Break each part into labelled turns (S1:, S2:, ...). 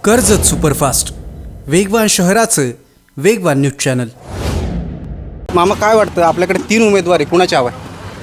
S1: Karjat superfast, वेगवान शहराचं वेगवान न्यूज चॅनल.
S2: मामा काय वाटतं, आपल्याकडे 3 उमेदवार आहे, कुणाची हवा आहे?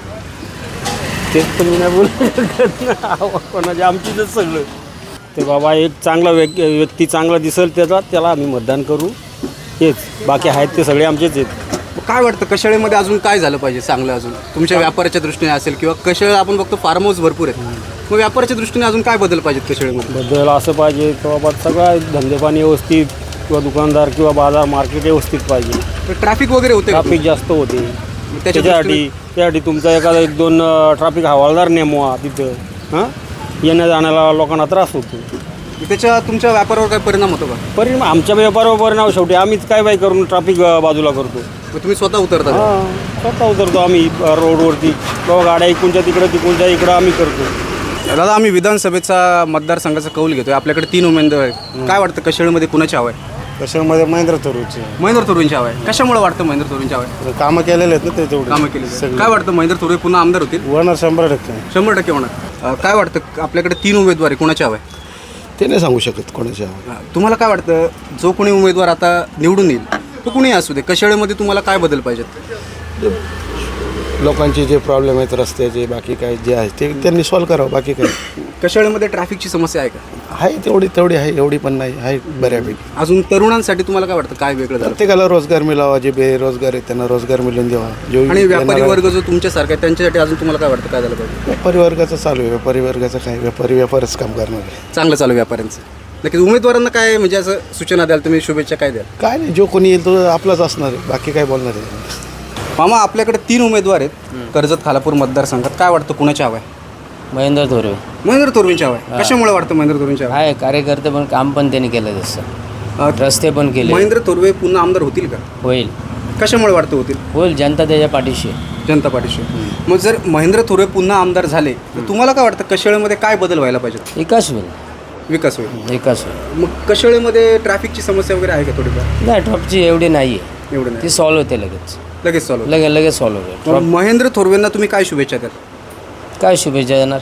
S3: तेच पण मी नाही बोलू शकत ना. कोणाचे आमचीच सगळं ते बाबा एक चांगला व्यक्ती चांगला दिसेल त्याला आम्ही मतदान करू. हेच बाकी आहेत ते सगळे आमचेच आहेत.
S2: काय वाटतं कशाळेमध्ये अजून काय झालं पाहिजे चांगलं, अजून तुमच्या व्यापाराच्या दृष्टीने असेल किंवा कशाळे आपण बघतो फार्म हाऊस भरपूर आहेत, मग व्यापाराच्या दृष्टीने अजून काय बदल पाहिजेत कशाळेमध्ये?
S3: बदल असं पाहिजे की बाबा सगळं धंदेपाणी व्यवस्थित किंवा दुकानदार किंवा बाजार मार्केट व्यवस्थित पाहिजे.
S2: ट्रॅफिक वगैरे होते,
S3: ट्रॅफिक जास्त होते.
S2: त्याच्यासाठी
S3: त्यासाठी तुमचा एखादा 1-2 ट्रॅफिक हवालदार नेमवा तिथं. हां, येण्या जाण्याला लोकांना त्रास होतो.
S2: त्याच्या तुमच्या व्यापारावर काय परिणाम होतो का?
S3: परिणाम आमच्या व्यापारावर परिणाम. शेवटी आम्हीच काय बाय करून ट्रॅफिक बाजूला करतो.
S2: मग तुम्ही स्वतः उतरता?
S3: हां, स्वतः उतरतो आम्ही रोडवरती. बाबा गाड्या इकडूनच्या तिकडं इकडं आम्ही करतो.
S2: दादा, आम्ही विधानसभेचा मतदारसंघाचा कौल घेतोय. आपल्याकडे 3 उमेदवार आहेत. काय वाटतं कशाळेमध्ये कुणाची हवा आहे?
S4: कशामध्ये महेंद्र तरुणचे
S2: महेंद्र तोरेंची हवा आहे. कशामुळे वाटतं महेंद्र तोरेंची हवा आहे?
S4: कामं केलेले आहेत ना ते तेवढे
S2: कामं केली. काय वाटतं, महेंद्र तोरे पुन्हा आमदार होतील?
S4: होणार 100%.
S2: 100% होणार. काय वाटतं, आपल्याकडे 3 उमेदवार आहे, कुणाची हवा आहे?
S4: ते नाही सांगू शकत कोणाच्या.
S2: तुम्हाला काय वाटतं, जो कोणी उमेदवार आता निवडून येईल तो कुणी असू दे, कशाळेमध्ये तुम्हाला काय बदल पाहिजेत?
S4: लोकांचे जे प्रॉब्लेम आहेत रस्त्याचे बाकी काय जे आहे ते त्यांनी सॉल्व्ह करावं. बाकी काय
S2: कशाळेमध्ये ट्रॅफिकची समस्या आहे का?
S4: आहे तेवढी आहे, एवढी पण नाही आहे बऱ्यापैकी.
S2: अजून तरुणांसाठी तुम्हाला काय वाटतं, काय वेगळं झालं?
S4: प्रत्येकाला रोजगार मिळावा, जे बेरोजगार आहेत त्यांना रोजगार मिळून द्यावा. जो
S2: आणि व्यापारी वर्ग जो तुमच्यासारखा आहे त्यांच्यासाठी अजून तुम्हाला काय वाटतं, काय झालं पाहिजे?
S4: व्यापारी वर्गाचं चालू आहे. व्यापारी वर्गाचं काय, व्यापारच काम करणार आहे.
S2: चांगलं चालू व्यापाऱ्यांचं. नक्कीच उमेदवारांना काय म्हणजे असं सूचना द्याल तुम्ही, शुभेच्छा काय द्याल?
S4: काय नाही, जो कोणी येईल तो आपलाच असणार आहे. बाकी काय बोलणार आहे?
S2: मामा, आपल्याकडे 3 उमेदवार आहेत कर्जत खालापूर मतदारसंघात. काय वाटतं कुणाची हवा आहे?
S5: महेंद्र तोरे
S2: महेंद्र तोरेंची हवा आहे. कशामुळे वाटतं महेंद्र तोरेंची हवा आहे?
S5: आहे कार्यकर्ते पण काम पण त्यांनी केलं तसं. रस्ते पण केले.
S2: महेंद्र तोरवे पुन्हा आमदार होतील का?
S5: होईल
S2: कशामुळे वाटतं होतील?
S5: होईल जनता त्याच्या पाठीशी आहे.
S2: जनता पार्टीशी. मग जर महेंद्र तोरवे पुन्हा आमदार झाले तर तुम्हाला काय वाटतं कशाळेमध्ये काय बदल व्हायला पाहिजे?
S5: विकास होईल.
S2: विकास होईल.
S5: विकास होईल.
S2: मग कशाळेमध्ये ट्रॅफिकची समस्या वगैरे आहे का थोडीफार?
S5: नाही, ट्रॉपची एवढी नाही आहे.
S2: एवढं
S5: ती
S2: नाही,
S5: सॉल्व्ह होते लगेच.
S2: लगेच चालू.
S5: लगेच सॉल्व्ह होते.
S2: मग महेंद्र थोरवेंना तुम्ही काय शुभेच्छा द्याल?
S5: काय शुभेच्छा देणार?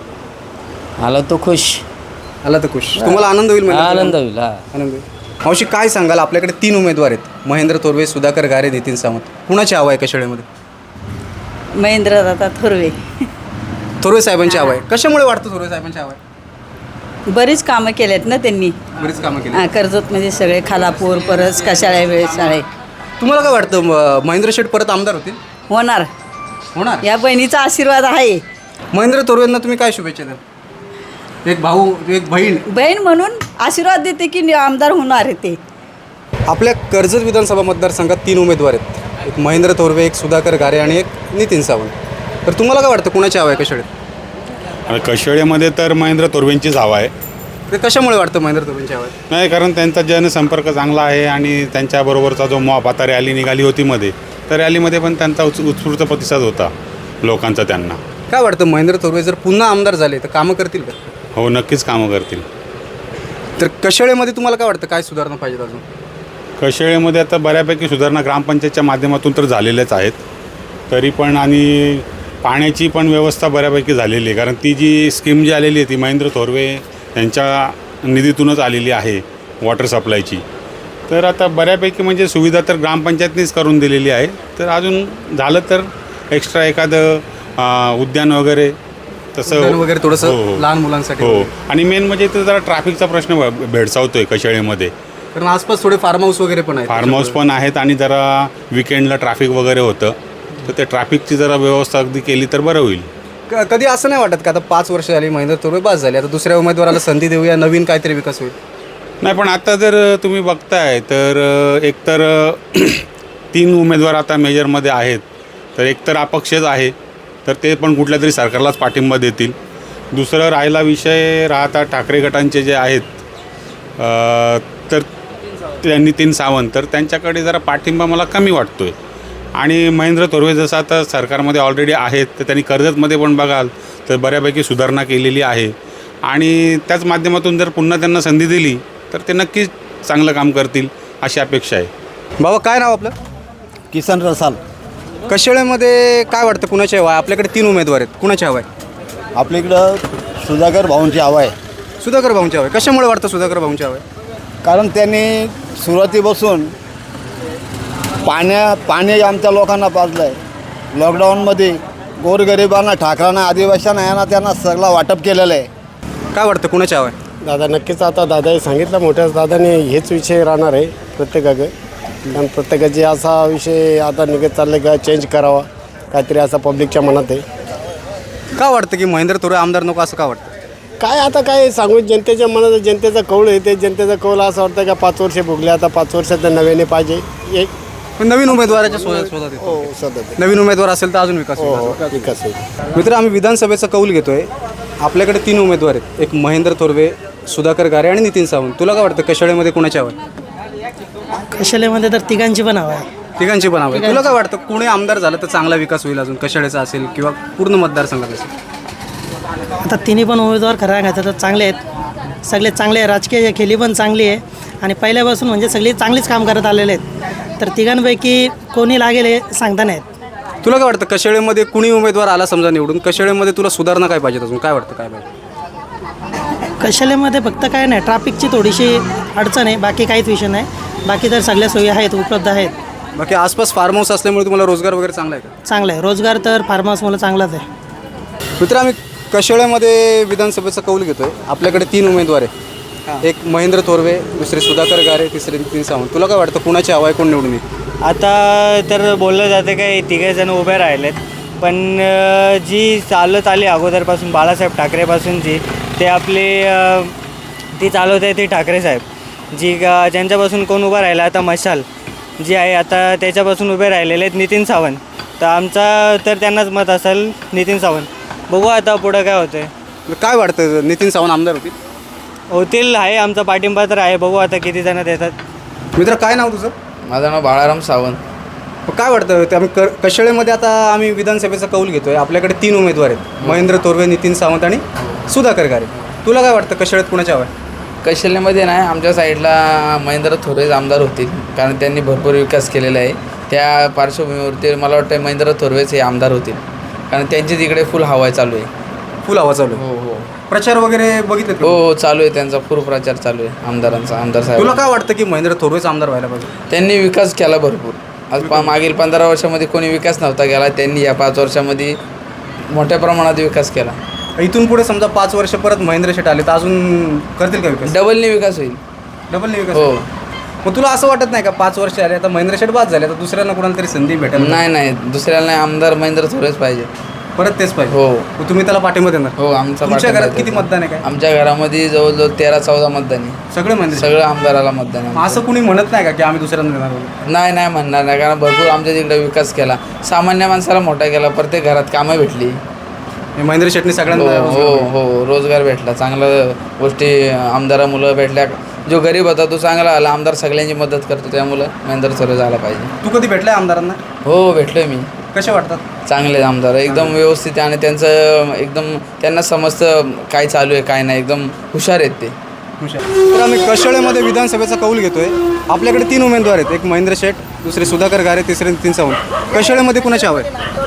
S5: आला तो खुश.
S2: आला तर खुश. तुम्हाला आनंद होईल?
S5: आनंद होईल. हा,
S2: आनंद होईल. मावशी, काय सांगाल, आपल्याकडे 3 उमेदवार आहेत, महेंद्र थोरवे, सुधाकर गारे, नितीन सावंत. कुणाची हवा आहे कशाळेमध्ये?
S6: महेंद्र दादा थोरवे.
S2: थोरवे साहेबांची हवा आहे. कशामुळे वाटतं थोरवे साहेबांची हवा आहे?
S6: बरीच कामं केलेत ना त्यांनी.
S2: बरीच कामं केली.
S6: कर्जतमध्ये सगळे खालापूर परत कशाळ्या वेळेसाळे
S2: तुम्हाला काय वाटतं, महेंद्र शेठ परत आमदार होतील?
S6: होणार.
S2: होणार.
S6: या बहिणीचा आशीर्वाद आहे.
S2: महेंद्र थोरवेंना तुम्ही काय शुभेच्छा द्याल? एक भाऊ, एक बहीण.
S6: बहीण म्हणून आशीर्वाद देते की आमदार होणार आहे ते.
S2: आपल्या कर्जत विधानसभा मतदारसंघात 3 उमेदवार आहेत, एक महेंद्र थोरवे, एक सुधाकर गारे आणि एक नितीन सावंत. तर तुम्हाला काय वाटतं कुणाची हवा आहे कशाळेत?
S7: कशाळेमध्ये तर महेंद्र तोरवेंचीच हवा आहे.
S2: ते कशामुळे वाटतं महेंद्र थोरवेंची हवा आहे?
S7: नाही, कारण त्यांचा जनसंपर्क चांगला आहे आणि त्यांच्याबरोबरचा जो मॉप आता रॅली निघाली होती मध्ये, तर रॅलीमध्ये पण त्यांचा उत्स्फूर्त प्रतिसाद होता लोकांचा त्यांना.
S2: काय वाटतं, महेंद्र थोरवे जर पुन्हा आमदार झाले तर कामं करतील का?
S7: हो, नक्कीच कामं करतील.
S2: तर कशाळेमध्ये तुम्हाला काय वाटतं, काय सुधारणा पाहिजे अजून?
S7: कशाळेमध्ये आता बऱ्यापैकी सुधारणा ग्रामपंचायतच्या माध्यमातून तर झालेल्याच आहेत तरी पण, आणि पाण्याची पण व्यवस्था बऱ्यापैकी झालेली आहे. कारण ती जी स्कीम जी आलेली आहे ती महेंद्र थोरवे यांच्या निधीतूनच आलेली आहे, वॉटर सप्लायची. तर आता बऱ्यापैकी म्हणजे सुविधा तर ग्रामपंचायतनीच करून दिलेली आहे. तर अजून झालं तर एक्स्ट्रा एखादं उद्यान वगैरे तसं
S2: उद्यान वगैरे थोडंसं
S7: हो.
S2: लहान मुलांसाठी.
S7: हो, आणि मेन म्हणजे इथं जरा ट्रॅफिकचा प्रश्न भेडसावतोय कशाळेमध्ये.
S2: कारण आसपास थोडे फार्म हाऊस वगैरे पण आहेत.
S7: फार्म हाऊस पण आहेत आणि जरा विकेंडला ट्रॅफिक वगैरे होतं, तर त्या ट्रॅफिकची जरा व्यवस्था अगदी केली तर बरं होईल.
S2: कधी असं नाही वाटत का आता 5 वर्ष झाली महेंद्र थोरवे बास झाले, आता दुसऱ्या उमेदवाराला संधी देऊया, नवीन काहीतरी विकास होईल?
S7: नाही, पण आता जर तुम्ही बघताय तर एकतर 3 उमेदवार आता मेजरमध्ये आहेत, तर एकतर अपक्षच आहे, तर ते पण कुठल्या तरी सरकारलाच पाठिंबा देतील. दुसरं राहिला विषय राहता ठाकरे गटांचे जे आहेत, तर नितीन सावंत, तर त्यांच्याकडे जरा पाठिंबा मला कमी वाटतो आहे. आणि महेंद्र थोरवे जसं आता सरकारमध्ये ऑलरेडी आहेत, तर त्यांनी कर्जतमध्ये पण बघाल तर बऱ्यापैकी सुधारणा केलेली आहे. आणि त्याच माध्यमातून जर पुन्हा त्यांना संधी दिली तर ते नक्कीच चांगलं काम करतील अशी अपेक्षा आहे.
S2: बाबा, काय नाव आपलं?
S4: किसन रसाल.
S2: कशाळेमध्ये काय वाटतं कुणाची हवा आहे? आपल्याकडे 3 उमेदवार आहेत, कुणाची हवा आहे?
S4: आपल्या इकडं सुधाकर भाऊंची हवा आहे.
S2: सुधाकर भाऊंची हवा आहे. कशामुळे वाटतं सुधाकर भाऊंची हवा आहे?
S8: कारण त्यांनी सुरुवातीपासून पाणी आमच्या लोकांना पाजलं आहे. लॉकडाऊनमध्ये गोरगरिबांना, ठाकरांना, आदिवासींना यांना त्यांना सगळं वाटप केलेलं आहे.
S2: काय वाटतं कुणाची हवा आहे?
S3: दादा नक्कीच आता दादाही सांगितलं, मोठ्या दादाने हेच विषय राहणार आहे प्रत्येकाकडे. कारण प्रत्येकाचे असा विषय आता निघत चालले का चेंज करावा, काहीतरी असा पब्लिकच्या मनात आहे.
S2: का वाटतं की महेंद्र थोरवे आमदार नको असं का वाटतं?
S3: काय आता काय सांगू, जनतेच्या मनात जनतेचा कौल आहे. ते जनतेचा कौल असं वाटतं का 5 वर्ष भोगले, आता 5 वर्षात नव्याने पाहिजे. एक
S2: पण नवीन उमेदवाराच्या शोधात येतो.
S3: हो सतत
S2: नवीन उमेदवार असेल तर अजून विकास होईल.
S3: विकास होईल.
S2: मित्र, आम्ही विधानसभेचा कौल घेतोय. आपल्याकडे 3 उमेदवार आहेत. एक महेंद्र थोरवे, सुधाकर गारे आणि नितीन सावंत. तुला काय वाटतं कशाळेमध्ये कोणाची हवा आहे?
S9: कशालेमध्ये तर तिघांची पण हवा आहे.
S2: तिघांची पण हवा आहे. तुला काय वाटतं कुणी आमदार झालं तर चांगला विकास होईल अजून, कशाळेचा असेल किंवा पूर्ण मतदारसंघात असेल?
S9: आता तिन्ही पण उमेदवार खरं सांगायचं तर चांगले आहेत. सगळे चांगले आहे. राजकीय खेळी पण चांगली आहे आणि पहिल्यापासून म्हणजे सगळे चांगलीच काम करत आलेले आहेत. तर तिघांपैकी कोणी लागेल हे सांगता नाहीत.
S2: तुला काय वाटतं कशाळेमध्ये कुणी उमेदवार आला समजा निवडून, कशाळेमध्ये तुला सुधारणा काय पाहिजे अजून? काय वाटतं काय पाहिजे?
S9: कशालेमध्ये फक्त काय नाही, ट्रॅफिकची थोडीशी अडचण आहे, बाकी काहीच विषय नाही. बाकी तर सगळ्या सोयी आहेत, उपलब्ध आहेत.
S2: बाकी आसपास फार्म हाऊस असल्यामुळे तुम्हाला रोजगार वगैरे चांगला आहे का?
S9: चांगलं आहे. रोजगार तर फार्म हाऊसमुळे चांगलाच आहे.
S2: मित्र, आम्ही कशाळेमध्ये विधानसभेचा कौल घेतोय. आपल्याकडे 3 उमेदवार आहे. एक महेंद्र थोरवे, दुसरे सुधाकर गारे, तिसरे नितीन सावंत. तुला काय वाटतं कुणाची हवा आहे, कोण निवडून येईल?
S10: आता तर बोललं जातं काय 3 जण उभे राहिलेत, पण जी चालत आली अगोदरपासून बाळासाहेब ठाकरेपासूनची, ते आपले ती चालवत आहे ती ठाकरे साहेब. जी ज्यांच्यापासून कोण उभं राहिलं आता मशाल जी आहे आता त्याच्यापासून उभे राहिलेले आहेत नितीन सावंत. तर आमचा तर त्यांनाच मत असेल नितीन सावंत. बघू आता पुढं काय होतं आहे.
S2: काय वाटतं नितीन सावंत आमदार
S10: होतील आहे आमचा पाठिंबा तर आहे. बघू आता किती जण देतात.
S2: मित्र, काय नाव तुझं?
S11: माझं नाव बाळाराम सावंत.
S2: काय वाटतं ते आम्ही कशाळेमध्ये आता आम्ही विधानसभेचा कौल घेतोय. आपल्याकडे 3 उमेदवार आहेत. महेंद्र थोरवे, नितीन सावंत आणि सुधाकर गारे. तुला काय वाटतं कशाळेत कुणाची हवा आहे?
S11: कौशल्यामध्ये नाही, आमच्या साईडला महेंद्र थोरवेच आमदार होतील, कारण त्यांनी भरपूर विकास केलेला आहे. त्या पार्श्वभूमीवरती मला वाटतं महेंद्र थोरवेच हे आमदार होतील, कारण त्यांची तिकडे फुल हवा चालू आहे.
S2: फुल हवा चालू आहे?
S11: हो हो.
S2: प्रचार वगैरे बघितलं?
S11: हो चालू आहे, त्यांचा फुल प्रचार चालू आहे आमदारांचा. आमदार साहेब,
S2: तुला काय वाटतं की महेंद्र थोरवेच आमदार व्हायला पाहिजे?
S11: त्यांनी विकास केला भरपूर. आज मागील 15 वर्षामध्ये कोणी विकास नव्हता केला, त्यांनी या 5 वर्षामध्ये मोठ्या प्रमाणात विकास केला.
S2: इथून पुढे समजा 5 वर्ष परत महेंद्र शेट आले तर अजून करतील का विकास?
S11: डबलने विकास होईल.
S2: डबलने विकास?
S11: हो.
S2: मग तुला असं वाटत नाही का 5 वर्ष आले आता महेंद्र शेट बाद झाले, तर दुसऱ्यांना कोणाला तरी संधी भेटेल?
S11: नाही, दुसऱ्याला नाही, आमदार महेंद्र थोरवेच पाहिजे.
S2: परत तेच पाहिजे?
S11: हो.
S2: मग तुम्ही त्याला पाठिंबा देणार?
S11: हो, आमचा
S2: तुमच्या
S11: पाठिंबा
S2: घरात किती
S11: देतो.
S2: मतदान आहे काय?
S11: आमच्या घरामध्ये जवळजवळ 13-14 मतदान आहे.
S2: सगळे महेंद्र?
S11: सगळं आमदाराला मतदान आहे.
S2: असं कुणी म्हणत नाही का की आम्ही दुसऱ्यांना देणार वगैरे?
S11: नाही म्हणणार नाही, कारण भरपूर आमच्या तिकडे विकास केला, सामान्य माणसाला मोठा केला, प्रत्येक घरात कामं भेटली.
S2: महेंद्र शेटने सगळ्यांना
S11: हो रोजगार भेटला, चांगल्या गोष्टी आमदारा मुलं भेटल्या. जो गरीब होता तो चांगला आला, आमदार सगळ्यांची मदत करतो, त्यामुळं महेंद्र थोरवे झाला पाहिजे.
S2: तू कधी भेटलाय आमदारांना?
S11: हो भेटलोय मी.
S2: कसे वाटतात?
S11: चांगले आमदार, एकदम व्यवस्थित आहे आणि त्यांचं एकदम त्यांना समजतं काय चालू आहे काय नाही, एकदम हुशार आहेत ते.
S2: तर आम्ही कशाळेमध्ये विधानसभेचा कौल घेतोय. आपल्याकडे 3 उमेदवार आहेत. एक महेंद्र शेट, दुसरे सुधाकर गारे, तिसरे नितीन सावंत. कशाळेमध्ये कुणाची हवा आहे?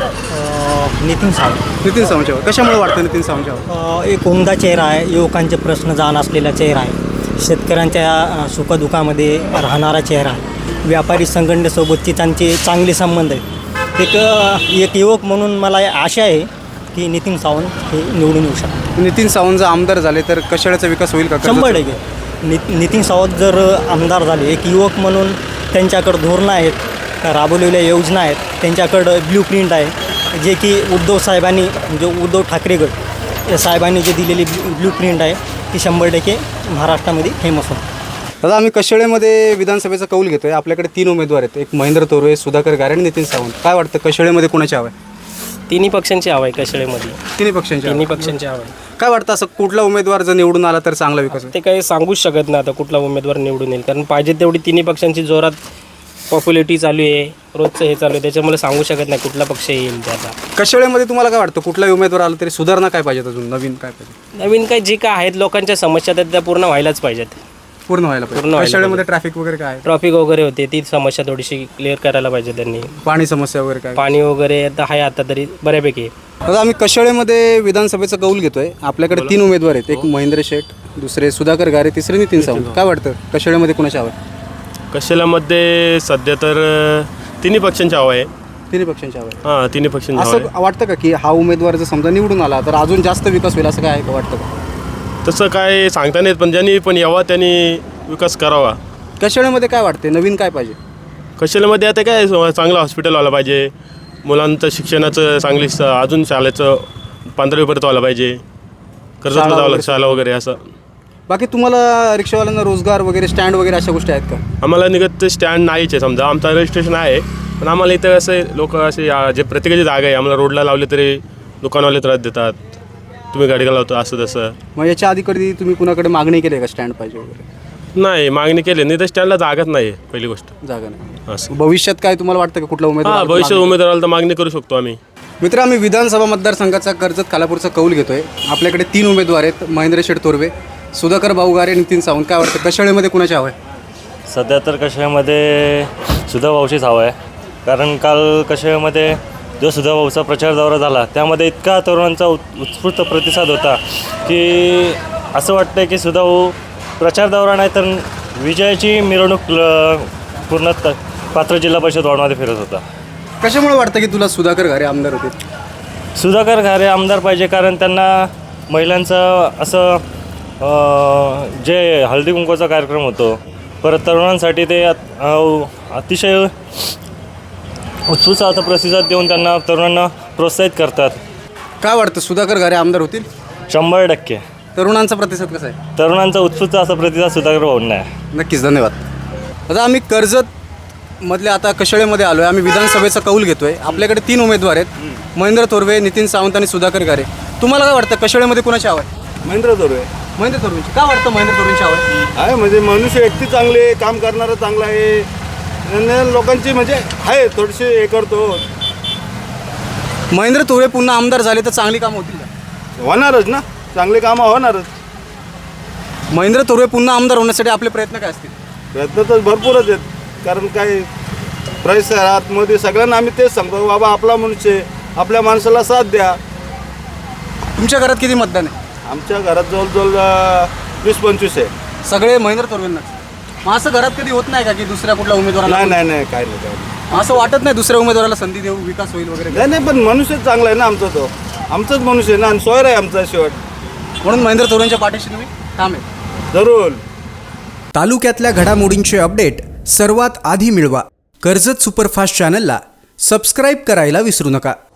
S9: नितीन सावंत.
S2: नितीन सावंतची हवा. कशामुळे वाटतं नितीन सावंतची हवा?
S9: एक उमदा चेहरा आहे, युवकांचे प्रश्न जाण असलेला चेहरा आहे, शेतकऱ्यांच्या सुखदुःखामध्ये राहणारा चेहरा आहे, व्यापारी संघटनेसोबतची त्यांचे चांगले संबंध आहेत. एक युवक म्हणून मला आशा आहे की नितीन सावंत हे निवडून येऊ शकतात.
S2: नितीन सावंत जर आमदार झाले तर कशाळेचा विकास होईल का?
S9: 100%. नितीन सावंत जर आमदार झाले, एक युवक म्हणून त्यांच्याकडं धोरणं आहेत, राबवलेल्या योजना आहेत, त्यांच्याकडं ब्ल्यूप्रिंट आहे, जे की उद्धव साहेबांनी म्हणजे उद्धव ठाकरे गट साहेबांनी जे दिलेली ब्ल्यूप्रिंट आहे ती 100% महाराष्ट्रामध्ये फेमस होतं.
S2: दादा, आम्ही कशाळेमध्ये विधानसभेचा कौल घेतोय. आपल्याकडे 3 उमेदवार आहेत. एक महेंद्र थोरवे, सुधाकर गारे आणि नितीन सावंत. काय वाटतं कशाळेमध्ये कोणाची हवा आहे?
S3: तिन्ही पक्षांची हवा आहे कशाळेमध्ये.
S2: तिन्ही पक्षांची
S3: हवा आहे.
S2: काय वाटतं असं कुठला उमेदवार जर निवडून आला तर चांगला विकास होईल?
S3: ते काही सांगूच शकत नाही आता कुठला उमेदवार निवडून येईल, कारण पाहिजे तेवढी तिन्ही पक्षांची जोरात पॉप्युलरिटी चालू आहे, रोजचं हे चालू आहे, त्याच्यामुळे सांगू शकत नाही कुठला पक्ष येईल ते. आता
S2: कशाळेमध्ये तुम्हाला काय वाटतं कुठलाही उमेदवार आला तरी सुधारणा काय पाहिजे अजून, नवीन काय पाहिजे?
S3: नवीन काही जे काय आहेत लोकांच्या समस्या आहेत त्या पूर्ण व्हायलाच पाहिजेत.
S2: पूर्ण व्हायला पाहिजे. कशाळेमध्ये ट्रॅफिक वगैरे काय आहे?
S3: ट्रॉफिक वगैरे होते ती समस्या थोडीशी क्लिअर करायला पाहिजे त्यांनी.
S2: पाणी समस्या वगैरे काय?
S3: पाणी वगैरे आता आहे आता तरी बऱ्यापैकी.
S2: आता आम्ही कशाळेमध्ये विधानसभेचा कौल घेतोय. आपल्याकडे 3 उमेदवार आहेत. एक महेंद्र शेट, दुसरे सुधाकर गारे, तिसरे नितीन सावंत. काय वाटतं कशाळेमध्ये कुणाची हवा आहे?
S3: कशालामध्ये सध्या तर तिन्ही पक्षांची हवा आहे.
S2: तिन्ही पक्षांची हवा आहे.
S3: हां, तिन्ही पक्षांची हवा
S2: असं वाटतं का की हा उमेदवार जर समजा निवडून आला तर अजून जास्त विकास होईल असं काय आहे का वाटतं का?
S3: आहे. तसं काय सांगता नाही येत, पण ज्यांनी पण यावा त्यांनी विकास करावा.
S2: कशाळेमध्ये काय वाटते नवीन काय पाहिजे?
S3: कशालामध्ये आता काय चांगलं हॉस्पिटल व्हायला पाहिजे, मुलांचं शिक्षणाचं चांगली अजून शाळेचं 15वीपर्यंत व्हायला पाहिजे, कर्जतला जावं शाळा वगैरे असं.
S2: बाकी तुम्हाला रिक्षावाल्यांना रोजगार वगैरे स्टँड वगैरे अशा गोष्टी आहेत का?
S3: आम्हाला निघत स्टँड नाहीच आहे. समजा आमचं रजिस्ट्रेशन आहे, पण आम्हाला इथं असे लोक असे जे प्रत्येकाची जागा आहे आम्हाला रोडला लावले तरी दुकानवाले त्रास देतात, तुम्ही गाडी लावतो असं तसं.
S2: मग याच्या आधी कधी तुम्ही कुणाकडे मागणी केली आहे का स्टँड पाहिजे वगैरे?
S3: नाही, मागणी केली नाही तर स्टँडला जागाच नाही आहे पहिली गोष्ट.
S2: जागा नाही.
S3: असं
S2: भविष्यात काय तुम्हाला वाटतं का कुठला
S3: हां,
S2: उमेदवार?
S3: भविष्यात उमेदवाराला तर मागणी करू शकतो आम्ही.
S2: मित्र, आम्ही विधानसभा मतदारसंघाचा कर्जत खालापूरचा कौल घेतोय. आपल्याकडे 3 उमेदवार आहेत, महेंद्र शेठ तोरवे, सुधाकर भाऊ गारे, नितीन सावंत. काय वाटतं कशाळेमध्ये कुणाची हवं आहे?
S10: सध्या तर कशामध्ये सुधाभाऊचीच हवा आहे. कारण काल कशामध्ये जो सुधाभाऊचा प्रचार दौरा झाला त्यामध्ये इतका तरुणांचा उत्स्फूर्त प्रतिसाद होता की असं वाटतं की सुधाभाऊ प्रचार दौरा नाही तर विजयाची मिरवणूक पूर्ण पात्र जिल्हा परिषद वॉर्डमध्ये फिरत होता.
S2: कशामुळे वाटतं की तुला सुधाकर गारे आमदार होते?
S10: सुधाकर घारे आमदार पाहिजे, कारण त्यांना महिलांचं असं जे हळदी कुंकवाचा कार्यक्रम होतो, परत तरुणांसाठी ते अतिशय उत्सुक असा प्रतिसाद देऊन त्यांना तरुणांना प्रोत्साहित करतात.
S2: काय वाटतं सुधाकर गारे आमदार होतील?
S10: 100%.
S2: तरुणांचा प्रतिसाद कसा आहे?
S10: तरुणांचा उत्सुक असा प्रतिसाद सुधाकर भाऊंना आहे.
S2: नक्कीच, धन्यवाद. आता आम्ही कर्जतमधल्या आता कशाळेमध्ये आलो आहे. आम्ही विधानसभेचा कौल घेतो आहे. आपल्याकडे 3 उमेदवार आहेत, महेंद्र तोरवे, नितीन सावंत आणि सुधाकर गारे. तुम्हाला काय वाटतं कशाळेमध्ये कुणाची हवं आहे?
S8: महेंद्र तोरवे
S2: महेंद्र तोरवेंची. काय वाटतं महेंद्र तोरवेंची हवं आहे?
S8: आहे, म्हणजे मनुष्य व्यक्ती चांगले, काम करणारं चांगलं आहे आणि लोकांची म्हणजे आहे थोडीशी हे करतो.
S2: महेंद्र तोरवे पुन्हा आमदार झाले तर चांगली कामं होतील का?
S8: होणारच ना, चांगली कामं होणारच.
S2: महेंद्र तोरवे पुन्हा आमदार होण्यासाठी आपले प्रयत्न काय असतील?
S8: प्रयत्न तर भरपूरच आहेत. कारण काय परिसरात मध्ये सगळ्यांना आम्ही तेच सांगतो, बाबा आपला मनुष्य आहे, आपल्या माणसाला साथ द्या.
S2: तुमच्या घरात किती मतदान आहे?
S8: आमच्या घरात जवळजवळ 20-25 आहे.
S2: सगळे महेंद्र तोरवेंना. मग असं घरात कधी होत नाही का की दुसऱ्या कुठल्या उमेदवाराला?
S8: नाही काय नाही काय नाही.
S2: असं वाटत नाही दुसऱ्या उमेदवाराला संधी देऊ, विकास होईल वगैरे?
S8: नाही पण मनुष्य चांगला आहे ना आमचा, तो आमचाच मनुष्य आहे ना, आणि सोयर आहे आमचा शेवट.
S2: म्हणून महेंद्र तोरवेंच्या पाठीशी तुम्ही ठाम आहे.
S8: जरूर.
S1: तालुक्यातल्या घडामोडींचे अपडेट सर्वात आधी मिळवा. कर्जत सुपरफास्ट चॅनलला सबस्क्राईब करायला विसरू नका.